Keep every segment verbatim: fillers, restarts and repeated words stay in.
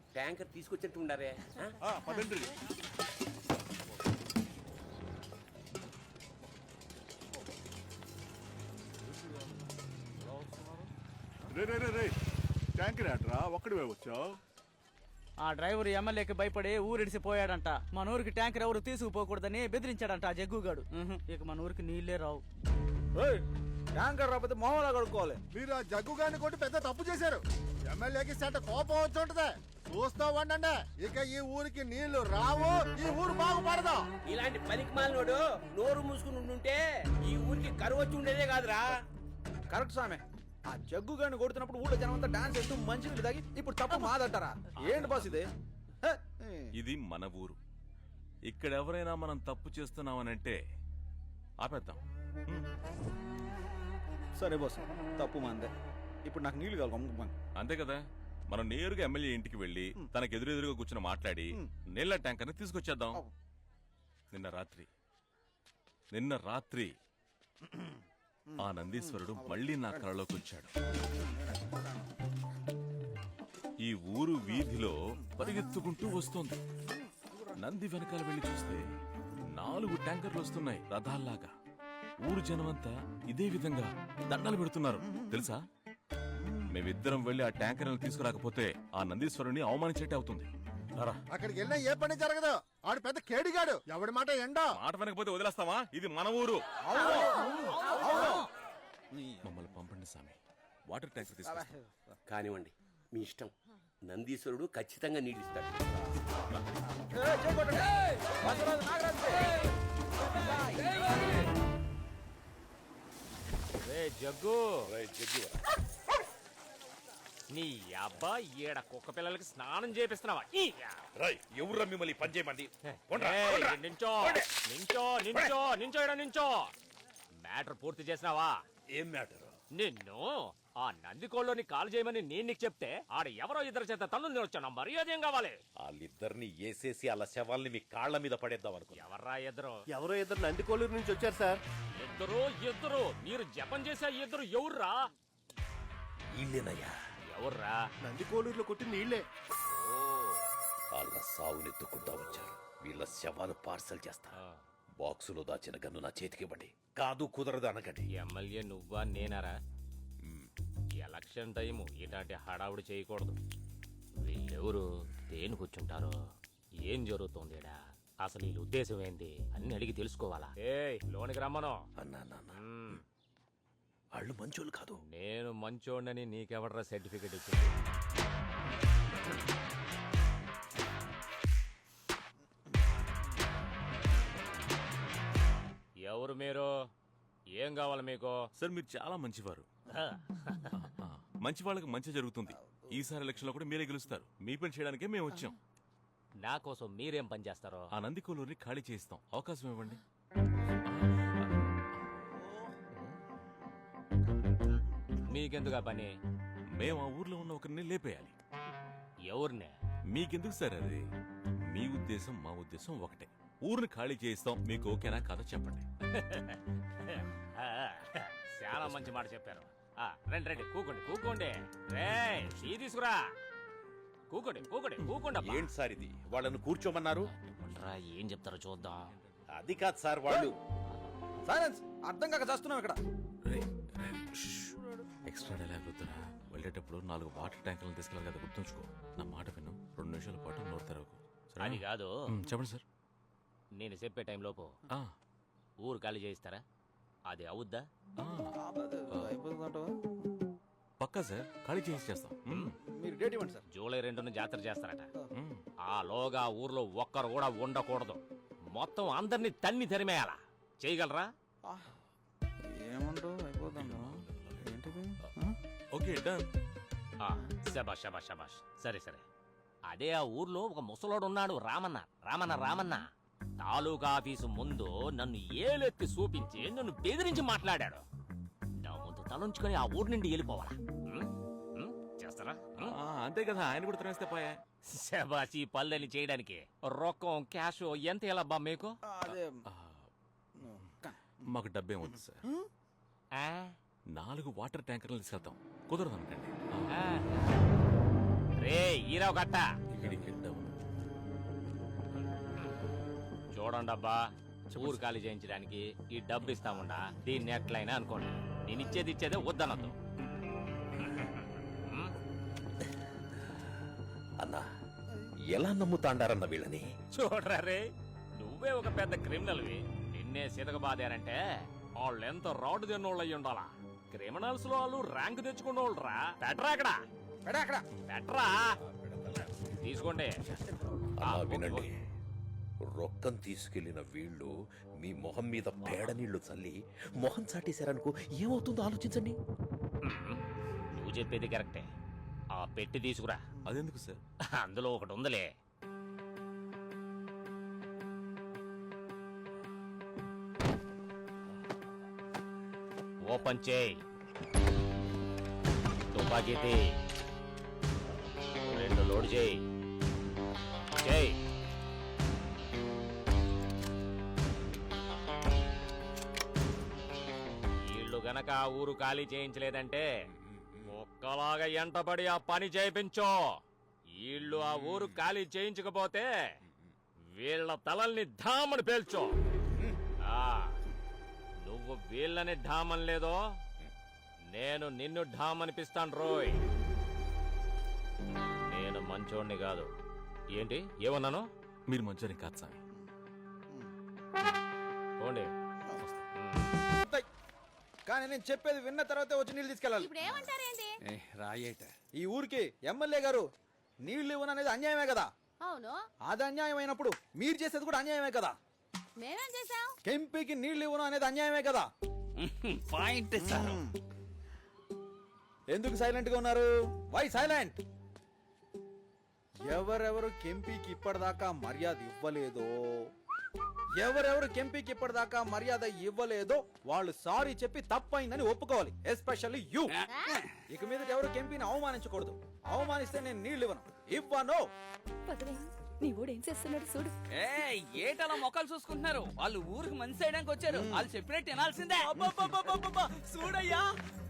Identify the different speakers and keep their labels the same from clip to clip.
Speaker 1: Tanker తీసుకొచ్చినట్టు ఉండారే.
Speaker 2: పదండి. రే రే రే రే tanker ఆటరా ఒక్కడివే వచ్చావు.
Speaker 3: ఆ డ్రైవర్ ఎమ్మెల్యేకి భయపడి ఊరిడిసిపోయాడంట. మన ఊరికి ట్యాంకర్ ఎవరు తీసుకుపోకూడదని బెదిరించాడంట ఆ జగ్గుగాడు. ఇక మన ఊరికి నీళ్లే రావు.
Speaker 4: ట్యాంకర్ రాకపోతే మొహంలా కడుక్కోవాలి.
Speaker 5: మీరు ఆ జగ్గు గారిని కొట్టి పెద్ద తప్పు చేశారు. ఎమ్మెల్యేకి సెంట కోపం వచ్చి ఉంటది. చూస్తా ఉండండి, ఇక ఈ ఊరికి నీళ్లు రావు, ఈ ఊరు బాగుపడదు.
Speaker 1: ఇలాంటి పనికి మాలినోడు నోరు మూసుకుని ఉండుంటే ఈ ఊరికి కరువు వచ్చి ఉండేదే కాదురా.
Speaker 4: కరెక్ట్ సామె. ఆ జగ్గు గారిని కొడుతున్నప్పుడు ఊళ్ళో జనం అంతా డాన్స్ చేస్తూ మంచి నీళ్ళు తాగి ఇప్పుడు తప్పు మాదంటారా? ఏంటి బాస్ ఇది?
Speaker 6: ఇది మన ఊరు. ఇక్కడ ఎవరైనా మనం తప్పు చేస్తున్నామనంటే ఆపేద్దాం.
Speaker 4: సరే బాస్, తప్పు మాందే. ఇప్పుడు నాకు నీళ్లు కావాలి అమ్ముకున్నాను.
Speaker 6: అంతే కదా. మనం నేరుగా ఎమ్మెల్యే ఇంటికి వెళ్లి తనకు ఎదురెదురుగా కూర్చొని మాట్లాడి నీళ్ల ట్యాంకర్ని తీసుకొచ్చేద్దాం. నిన్న రాత్రి నిన్న రాత్రి ఆ నందీశ్వరుడు మళ్లీ నా కళలోకి వచ్చాడు. ఈ ఊరు వీధిలో పరిగెత్తుకుంటూ వస్తోంది. నంది వెనకాల వెళ్లి చూస్తే నాలుగు ట్యాంకర్లు వస్తున్నాయి రథాల్లాగా. ఊరు జనమంతా ఇదే విధంగా దండలు పెడుతున్నారు తెలుసా. మేమిద్దరం వెళ్లి ఆ ట్యాంకర్లను తీసుకురాకపోతే ఆ నందీశ్వరుని అవమానించేట్టే అవుతుంది.
Speaker 5: అక్కడికి వెళ్ళినా ఏ పని జరగదు. ఆడు పెద్ద కేడిగాడు. ఎవడి మాట ఎండా
Speaker 6: మాట వెనకపోతే వదిలేస్తావా? ఇది మన ఊరు. మమ్మల్ని పంపండి స్వామి. వాటర్ ట్యాంకర్ తీసుకొస్తాం.
Speaker 1: కానివ్వండి, మీ ఇష్టం. నందీశ్వరుడు ఖచ్చితంగా నీడిస్తాడు.
Speaker 7: జగ్గు నీ అబ్బా ఈడ కుక్క పిల్లలకి స్నానం చేపిస్తున్నావా?
Speaker 8: ఎవరు మిమ్మల్ని పని చేయమంది?
Speaker 7: నించో నించో నించో నించో ఇడ నించో. మ్యాటర్ పూర్తి చేసినావా?
Speaker 8: ఏం మ్యాటర్?
Speaker 7: నిన్ను ఆ నందికోళ్ళని కాల్ చేయమని నేను నీకు చెప్తే ఆడ ఎవరో ఇద్దరు చేత తన్ను వచ్చాను. మర్యాద ఏం కావాలి?
Speaker 8: వాళ్ళిద్దరిని వేసేసి అలా శవాల్ని మీ కాళ్ల మీద పడేద్దాం అనుకో.
Speaker 7: ఎవర్రా ఇద్దరు?
Speaker 5: ఎవరో ఇద్దరు నందికోలూరు నుంచి వచ్చారు సార్.
Speaker 7: ఇద్దరు ఇద్దరు మీరు జపం చేసే ఇద్దరు ఎవర్రా?
Speaker 8: వీళ్ళేనయ్యా.
Speaker 7: ఎవర్రా?
Speaker 5: నందికోలూరులో కొట్టింది నీళ్లే.
Speaker 8: వాళ్ళ సావునెత్తుకుంటా వచ్చారు. వీళ్ళ శవాలు పార్సల్ చేస్తా. బాక్సులో దాచిన గన్ను నా చేతికి ఇవ్వండి. కాదు కుదరదు అనకండి.
Speaker 7: ఎమ్మెల్యే నువ్వా నేనారా? ఎలక్షన్ టైము ఇలాంటి హడావుడి చేయకూడదు. వీళ్ళెవరు? దేని కూర్చుంటారో? ఏం జరుగుతుంది ఈడ? అసలు వీళ్ళ ఉద్దేశం ఏంది అన్ని అడిగి తెలుసుకోవాలా? ఏ లోనికి రమ్మను.
Speaker 8: అన్నా నాన్న, వాళ్ళు మంచోళ్ళు కాదు.
Speaker 7: నేను మంచోడని నీకెవడరా సర్టిఫికెట్ ఇచ్చింది? ఎవరు మీరు? ఏం కావాలి మీకు?
Speaker 6: సార్ మీరు చాలా మంచివారు. మంచి వాళ్ళకి మంచి జరుగుతుంది. ఈసారి ఎలక్షన్ లో కూడా మీరే గెలుస్తారు. మీ పని చేయడానికే మేము వచ్చాం.
Speaker 7: నా కోసం మీరేం పని చేస్తారో?
Speaker 6: ఆ నందికోలూరిని ఖాళీ చేయిస్తాం. అవకాశం ఇవ్వండి.
Speaker 7: మీకెందుకు పని?
Speaker 6: మేము ఆ ఊర్లో ఉన్న ఒకరిని లేపేయాలి.
Speaker 7: ఎవరినే?
Speaker 6: మీకెందుకు సార్ అది? మీ ఉద్దేశం మా ఉద్దేశం ఒకటే. ఊరిని ఖాళీ చేయిస్తాం. మీకు ఓకేనా కాదో చెప్పండి.
Speaker 7: చాలా మంచి మాట చెప్పారు. రండి రండి, కూకోండి కూకోండి. రే టీ తీసుకురా. కూకోండి కూకోండి కూకోండి.
Speaker 8: ఏంటి సార్ ఇది? వాళ్ళను కూర్చోమన్నారు.
Speaker 7: ఏం చెప్తారో చూద్దాం.
Speaker 8: అది కాదు సార్, వాళ్ళు.
Speaker 4: సైలెన్స్. అర్థం కాక చేస్తున్నాం ఇక్కడ.
Speaker 6: ఎక్స్ట్రా డైలాగ్ వద్దురా. వెళ్ళేటప్పుడు నాలుగు వాటర్ ట్యాంకులను తీసుకెళ్ళాలి కదా, గుర్తుంచుకో. నా మాట విను. రెండు నిమిషాల పాటు నోరు తెరవకు.
Speaker 7: అది కాదు.
Speaker 6: చెప్పండి సార్.
Speaker 7: నేను చెప్పే టైం లోపు ఊరు ఖాళీ చేయిస్తారా? అది అవుద్దా?
Speaker 6: పక్కా సార్, ఖాళీ చేసి చేస్తాం.
Speaker 4: మీరు డేట్ ఇవ్వండి సార్.
Speaker 7: జూలై రెండున జాతర చేస్తారట. ఆ లోగా ఊర్లో ఒక్కరు కూడా ఉండకూడదు. మొత్తం అందరినీ తన్ని తరిమేయాలా? చేయగలరా?
Speaker 4: ఏమంటావు? అయిపోతాం.
Speaker 6: Okay done.
Speaker 7: శబాష్ శబాష్ శబాష్. సరే సరే. అదే ఆ ఊర్లో ఒక ముసలోడు ఉన్నాడు, రామన్న. రామన్న రామన్న తాలూకా ఆఫీసు ముందు నన్ను ఏలెత్తి చూపించి నన్ను బెదిరించి మాట్లాడాడు. నా ముందు తలంచుకొని ఆ ఊరు నుండి వెళ్ళిపోవాలా? చేస్తారా?
Speaker 6: అంతే కదా, ఆయన కూడా తినేస్తే పోయా.
Speaker 7: శబాష్. ఈ పళ్ళని చేయడానికి రొక్కం క్యాష్ ఎంత ఎలా బా మీకు?
Speaker 6: మాకు డబ్బేం వద్దు సార్. నాలుగు వాటర్ ట్యాంకర్లు తీసుకెళ్తాం. కుదరదు అనకండి.
Speaker 7: రే ఈరావు కట్ట,
Speaker 6: పిడికెట్టవు
Speaker 7: చూడండి అబ్బా ఊరు ఖాళీ చేయించడానికి ఈ డబ్బు ఇస్తాముండా దీన్ని ఎట్లయినా అనుకోండి నేను ఇచ్చేది ఇచ్చేదే వద్దనద్దు.
Speaker 8: అన్నా ఎలా నమ్ముతాండారన్న వీళ్ళని?
Speaker 7: చూడరా రే, నువ్వే ఒక పెద్ద క్రిమినల్వి, నిన్నే సితకబాదారంటే వాళ్ళు ఎంత రాడు తిన్నోళ్ళు అయ్యి ఉండాలా. క్రిమినల్స్ లో వాళ్ళు ర్యాంక్ తెచ్చుకున్నోళ్ళు రా. పెట్రా అక్కడ
Speaker 4: ఎడా అక్కడ
Speaker 7: పెట్రా తీసుకోండి.
Speaker 8: అలా వినండి, రొక్కం తీసుకెళ్లిన వీళ్ళు మీ మొహం మీద పేడ నీళ్లు చల్లి మొహం చాటేశారనుకో ఏమవుతుందో ఆలోచించండి.
Speaker 7: నువ్వు చెప్పేది కరెక్టే. ఆ పెట్టి తీసుకురా.
Speaker 6: అదెందుకు సార్?
Speaker 7: అందులో ఒకటి ఉందిలే. ఓపెన్ చేయి. తుపాకీ తీ. రెండు లోడ్ చేయి. చేయి. వీళ్ళు గనక ఆ ఊరు ఖాళీ చేయించలేదంటే ఒక్కలాగా ఎంటబడి ఆ పని చేయించో. వీళ్ళు ఆ ఊరు ఖాళీ చేయించకపోతే వీళ్ళ తలల్ని ఢామని పేల్చో. ఆ నువ్వు వీళ్ళని ఢామన్ లేదో నేను నిన్ను ఢామనిపిస్తాను రోయ్. నేను మంచోడిని కాదు. ఏంటి ఏమన్నాను?
Speaker 6: మీరు మంచోని కాదు స్వామి.
Speaker 7: పోండి.
Speaker 4: కానీ నేను చెప్పేది విన్న తర్వాతే వచ్చి నీళ్ళు తీసుకెళ్ళాలి.
Speaker 9: ఇప్పుడు ఏమంటారేంటి?
Speaker 4: రాయేట ఈ ఊరికి ఎమ్మెల్యే గారు నీళ్లు ఇవ్వననేది అన్యాయమే కదా.
Speaker 9: అవును,
Speaker 4: అది అన్యాయం అయినప్పుడు మీరు చేసేది కూడా అన్యాయమే కదా.
Speaker 9: మేమేం చేసాం?
Speaker 4: కెంపీకి నీళ్లు ఇవ్వను అనేది అన్యాయమే కదా.
Speaker 3: Point sir.
Speaker 4: ఎందుకు సైలెంట్ గా ఉన్నారు? Why silent? ఎవరెవరు కెంపీకి ఇప్పటిదాకా మర్యాద ఇవ్వలేదో ఎవరెవరు కెంపీకి ఇప్పటిదాకా మర్యాద ఇవ్వలేదో వాళ్ళు సారీ చెప్పి తప్పైందని ఒప్పుకోవాలి. Especially you. ఇక మీద ఎవరు కెంపీని అవమానించకూడదు. అవమానిస్తే నేను నీళ్లు ఇవ్వను. ఇవ్వను.
Speaker 9: నీ ఊడు ఏం చేస్తున్నాడు చూడు.
Speaker 3: ఏటలా మొక్కలు చూసుకుంటున్నారు? వాళ్ళు ఊరికి మంచి చేయడానికి వచ్చారు. వాళ్ళు చెప్పినట్టు వినాల్సిందే. చూడయ్యా,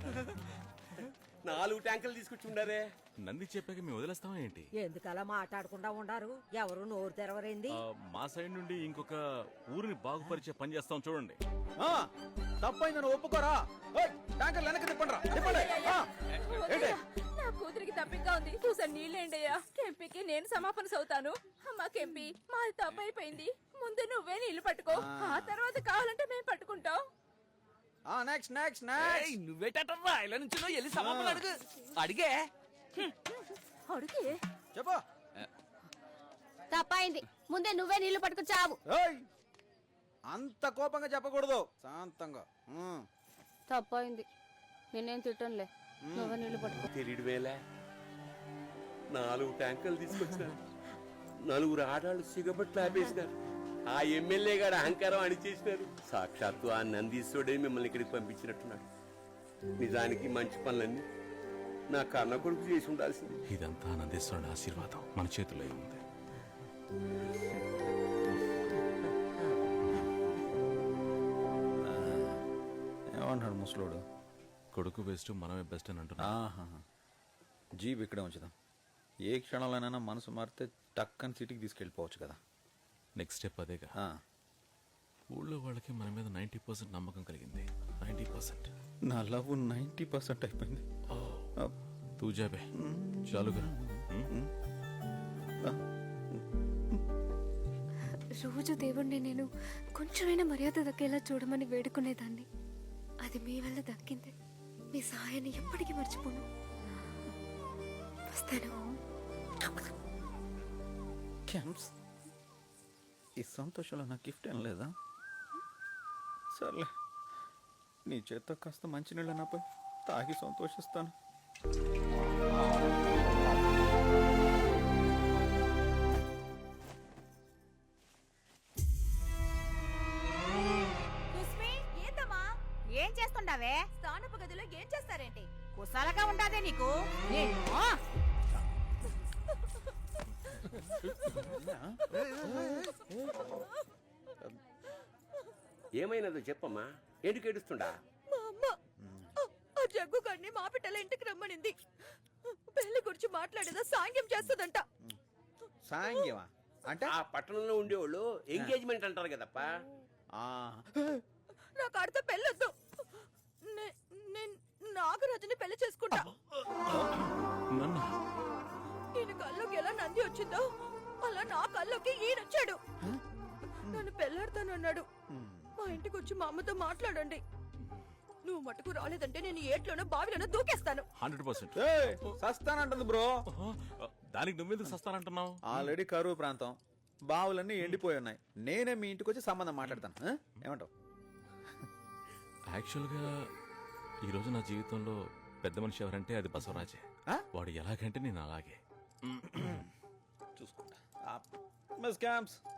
Speaker 1: నాలుగు ట్యాంకులు తీసుకొచ్చి ఉండారే.
Speaker 6: నంది చెప్పాక మేము వదిలేస్తామా ఏంటి?
Speaker 10: ఎందుకలా మాట్లాడకుండా ఉండారు? ఎవరు నోరు తెరవరైంది?
Speaker 6: ఆ, మా సైడ్ నుండి ఇంకొక ఊరిని బాగుపరిచే పని చేస్తాం చూడండి.
Speaker 4: ఆ, తప్పైందని ఒప్పుకోరా? ఓయ్, ట్యాంకర్ వెనక్కి తిప్పండి రా. తిప్పండి. ఆ, ఏంటి?
Speaker 9: నా కూతురికి తప్పిగా ఉంది. చూసాను నీళ్ళేండయ్యా. కెంపీకి నేను సమాపన సౌతాను. అమ్మా కెంపీ, మాది తప్పు అయిపోయింది. ముందు నువ్వే నీళ్లు పట్టుకో, ఆ తర్వాత కావాలంటే మేము పట్టుకుంటాం.
Speaker 4: ఆ నెక్స్ట్ నెక్స్ట్ నెక్స్ట్.
Speaker 3: నువ్వేటట్రా ఇలా నుంచి వెళ్ళి సమాపణ అడుగు. అడిగే
Speaker 9: అడిగి
Speaker 4: చెప్పు.
Speaker 9: తప్పైంది. ముందే నువ్వే నీళ్లు పట్టుకొచ్చావు.
Speaker 4: ఏయ్, అంత కోపంగా చెప్పకూడదు. శాంతంగా. ఉమ్.
Speaker 9: తప్పైంది. నేనేం తిట్టనులే. నువ్వే నీళ్లు పట్టుకో.
Speaker 1: తెలియడు వేలే. నాలుగు ట్యాంకులు తీసుకొచ్చినారు. నలుగురు ఆడాళ్ళు సిగబట్లు ఆపేసినారు. ఆ ఎమ్మెల్యే గారు అహంకారం అణిచేసినారు. సాక్షాత్తు ఆ నందీశ్వరుడే మిమ్మల్ని ఇక్కడికి పంపించినట్టున్నాడు. నిజానికి మంచి పనులన్నీ నా కన్న కొడుకు చేసి ఉండాల్సింది.
Speaker 6: ఇదంతా నందేశ్వరుని ఆశీర్వాదం మన చేతిలో ఉంది.
Speaker 4: ఏమన్నాడు ముసలోడు?
Speaker 6: కొడుకు బెస్ట్ మనమే బెస్ట్ అని అంటున్నా.
Speaker 4: జీప్ ఇక్కడే ఉంచుదాం. ఏ క్షణంలోనైనా మనసు మారితే టక్కని సిటీకి తీసుకెళ్ళిపోవచ్చు కదా.
Speaker 6: నెక్స్ట్ స్టెప్ అదేగా.
Speaker 4: ఆ,
Speaker 6: ఊళ్ళో వాళ్ళకి మన మీద నైంటీ పర్సెంట్ నమ్మకం కలిగింది. నైంటీ పర్సెంట్
Speaker 4: నా లవ్ నైంటీ పర్సెంట్ అయిపోయింది.
Speaker 6: తూజాబే చాలుగా.
Speaker 11: రోజు దేవుణ్ణి నేను కొంచెమైనా మర్యాద దక్కేలా చూడమని వేడుకునేదాన్ని. అది మీ వల్ల దక్కింది. మీ సహాయాన్ని ఎప్పటికీ మర్చిపోను. వస్తాను.
Speaker 4: ఈ సంతోషంలో నా గిఫ్ట్ ఏం లేదా? సర్లే, నీ చేత్తో కాస్త మంచినీళ్ళు నాపై తాగి సంతోషిస్తాను.
Speaker 9: ఏం చేస్తుండవే? స్థానపు గదిలో ఏం చేస్తారేంటి? కుసాలగా ఉండాదే నీకు. నేను
Speaker 1: ఏమైనదో చెప్పమ్మా. ఎందుకు ఏడుస్తుండా?
Speaker 9: మా అమ్మ ఆ జగ్గు గడిని మా పిట్టల ఇంటికి రమ్మనింది. పెళ్లి గురించి మాట్లాడేదా సాంగ్యం చేస్తుందంట.
Speaker 4: సాంగ్యమా అంటే
Speaker 1: ఆ పట్టణంలో ఉండేవాళ్ళు ఎంగేజ్మెంట్ అంటారు కదప్పా.
Speaker 4: ఆ,
Speaker 9: నాకు ఆడితో పెళ్ళొద్దు. నే- నేను నాగరాజుని పెళ్లి చేసుకుంటా.
Speaker 6: నన్ను
Speaker 9: ఈయన కల్లోకి ఎలా నంది వచ్చిందో అలా నా కల్లోకి ఈయనొచ్చాడు. నన్ను పెళ్ళాడతానన్నాడు. మా ఇంటికి వచ్చి మా అమ్మతో మాట్లాడండి. నువ్వు మటుకు రాలేదంటే నేను ఏట్లోనో బావిలోనో దూకేస్తాను.
Speaker 6: హండ్రెడ్ పర్సెంట్
Speaker 4: ఏయ్, సస్తానంటుంది బ్రో.
Speaker 6: దానికి నువ్వెందుకు సస్తానంటున్నావు?
Speaker 4: ఆల్రెడీ కరువు ప్రాంతం, బావులన్నీ ఎండిపోయి ఉన్నాయి. నేనే మీ ఇంటికి వచ్చి సంబంధం మాట్లాడతాను. ఆ? ఏమంటావు?
Speaker 6: యాక్చువల్గా ఈరోజు నా జీవితంలో పెద్ద మనిషి ఎవరంటే అది బసవరాజే.
Speaker 4: ఆ?
Speaker 6: వాడు ఎలాగంటే నేను అలాగే.
Speaker 4: చూసుకుంటా. Miss camps